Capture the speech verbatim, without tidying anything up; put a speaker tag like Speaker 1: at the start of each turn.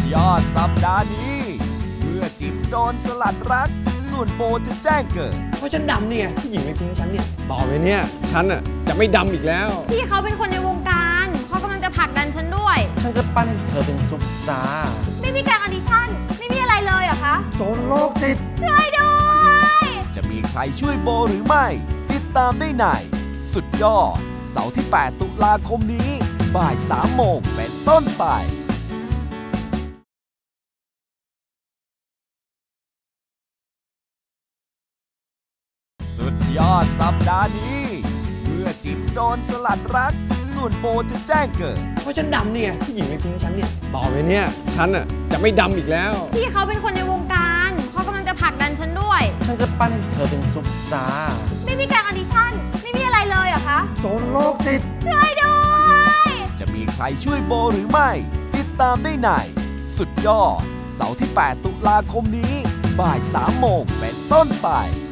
Speaker 1: ยอดสัปดาห์นี้เมื่อจิ๋มโดนสลัดรักส่วนโบจะแจ้งเกิด
Speaker 2: เพราะฉันดำนี่ไงผู้หญิงเลยทิ้งฉันเนี่ยต่อไปเนี่ยฉันอ่ะจะไม่ดำอีกแล้ว
Speaker 3: พี่เขาเป็นคนในวงการเขากำลังจะผลักดันฉันด้วย
Speaker 2: ฉันจะปั้นเธอเป็นซุปตาร์
Speaker 3: ไม่มีการออดิชั่นไม่มีอะไรเลยเหรอคะ
Speaker 2: โจรโรคจิต
Speaker 3: ช่วยด้วย
Speaker 1: จะมีใครช่วยโบหรือไม่ติดตามได้ในสุดยอดเสาร์ที่แปดตุลาคมนี้บ่ายสามโมงเป็นต้นไปสุดยอดสัปดาห์นี้เมื่อจิ๋มโดนสลัดรักส่วนโบจะแจ้งเกิด
Speaker 2: เพราะฉันดำนี่ไงผู้หญิงเลยทิ้งฉันเนี่ยต่อไปเนี่ยฉันอ่ะจะไม่ดำอีกแล้ว
Speaker 3: พี่เขาเป็นคนในวงการเขากำลังจะผลักดันฉันด้วย
Speaker 2: ฉันจะปั้นเธอเป็นซุปตาร์
Speaker 3: ไม่มีการออดิชั่นไม่มีอะไรเลยเหรอคะ
Speaker 2: โจรโรคจิต
Speaker 3: ช่วยด้วย
Speaker 1: จะมีใครช่วยโบหรือไม่ติดตามได้ในสุดยอดเสาร์ที่แปดตุลาคมนี้บ่ายสามโมงเป็นต้นไป